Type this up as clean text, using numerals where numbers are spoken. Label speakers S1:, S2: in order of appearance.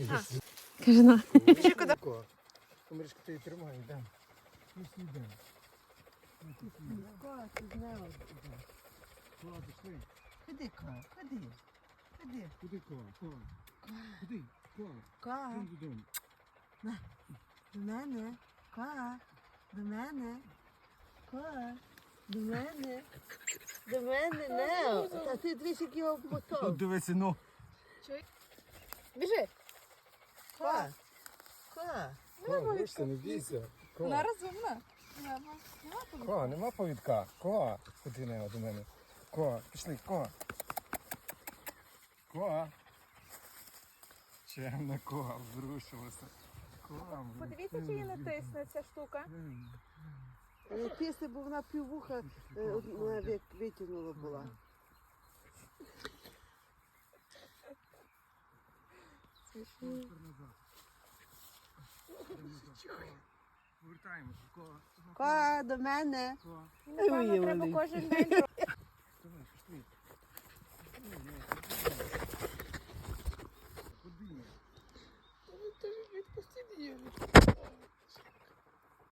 S1: Каже, на.
S2: Біжи куди?
S3: Комаришка, ти її тримай, йдемо. Йдемо.
S2: Ходи, Ка, ходи. Ходи.
S3: Куди Ка? Куди?
S2: Ка.
S3: Йдемо додому.
S2: До мене. Ка. До мене. Ка. До мене. До мене, Нео. Та ти дивись, як його мотав.
S3: Дивися, ну.
S1: Біжи.
S2: Ка. Ка.
S3: Вишся, не бійся.
S1: Вона розумна.
S3: Ко, нема повідка. Ко, ходи не до мене. Ко, пішли, ко. Ко. Чемна ко, врушилася. Ко.
S1: Подивіться, чи її натисне ця штука.
S2: Тисне, бо вона піввуха витягнула була.
S3: Повертаємося. Ко.
S2: Ка, до мене.
S3: Ко.
S1: Напевно, треба кожен день.